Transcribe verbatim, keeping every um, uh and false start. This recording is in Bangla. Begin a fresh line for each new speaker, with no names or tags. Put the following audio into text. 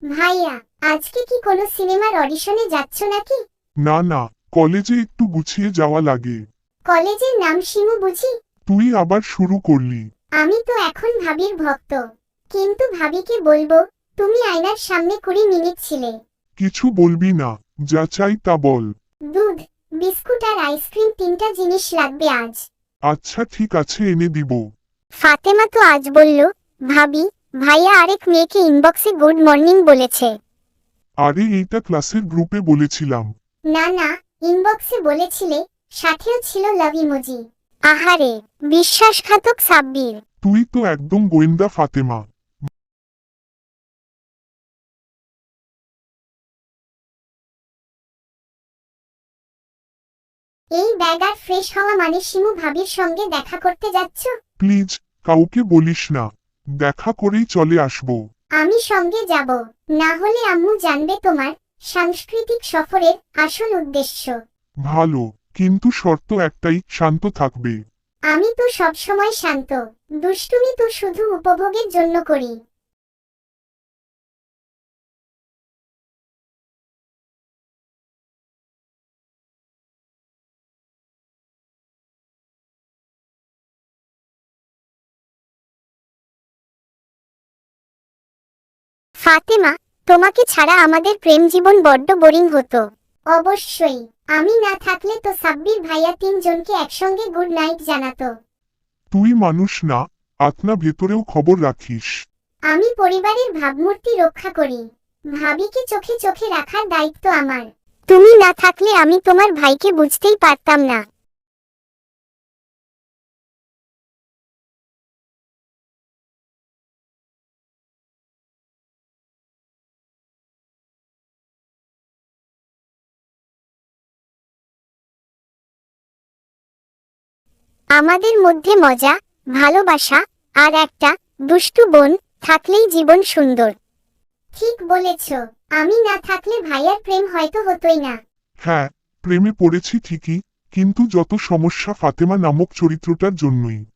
ভাইয়া, আজকে কি কোনো সিনেমার অডিশনে যাচ্ছ নাকি?
না না, কলেজে একটু গুছিয়ে যাওয়া লাগে।
কলেজের নাম শিমু বুঝি?
তুই আবার শুরু করলি।
আমি তো এখন ভাবির ভক্ত, কিন্তু ভাবিকে বলবো তুমি আয়নার সামনে কুড়ি মিনিট ছিলে।
কিছু বলবি না, যা চাই তা বল।
দুধ, বিস্কুট আর আইসক্রিম তিনটা জিনিস লাগবে আজ।
আচ্ছা ঠিক আছে, এনে দিব।
ফাতেমা তো আজ বলল, ভাবি ভাইয়া আরেক মেয়েকে ইনবক্সে গুড মর্নিং বলেছে।
আরে এইটা ক্লাসের গ্রুপে বলেছিলাম।
না না, ইনবক্সে বলেছিলে, সাথেও ছিল লাভ ইমোজি। আহারে, বিশ্বাসঘাতক সাব্বির।
তুই তো একদম গোয়েন্দা ফাতেমা।
এই ব্যাগ আর ফ্রেশ হওয়া মানে শিমু ভাবির সঙ্গে দেখা করতে যাচ্ছ?
প্লিজ, কাউকে বলিস না। দেখা করেই চলে আসবো।
আমি সঙ্গে যাব, না হলে আম্মু জানবে তোমার সাংস্কৃতিক সফরের আসল উদ্দেশ্য।
ভালো, কিন্তু শর্ত একটাই, শান্ত থাকবে।
আমি তো সবসময় শান্ত, দুষ্টুমি তো শুধু উপভোগের জন্য করি। ফাতেমা, তোমাকে ছাড়া আমাদের প্রেম জীবন বড্ড বোরিং হতো। অবশ্যই, আমি না থাকলে তো সাব্বির ভাইয়া তিনজনকে একসঙ্গে গুড নাইট জানাতো।
তুই মানুষ না, আত্মা ভেতরেও খবর রাখিস।
আমি পরিবারের ভাবমূর্তি রক্ষা করি, ভাবিকে চোখে চোখে রাখার দায়িত্ব আমার। তুমি না থাকলে আমি তোমার ভাইকে বুঝতেই পারতাম না। আমাদের মধ্যে মজা, ভালোবাসা আর একটা দুষ্টু বোন থাকলেই জীবন সুন্দর। ঠিক বলেছ, আমি না থাকলে ভাইয়ার প্রেম হয়তো হতোই না।
হ্যাঁ, প্রেমে পড়েছি ঠিকই, কিন্তু যত সমস্যা ফাতেমা নামক চরিত্রটার জন্যই।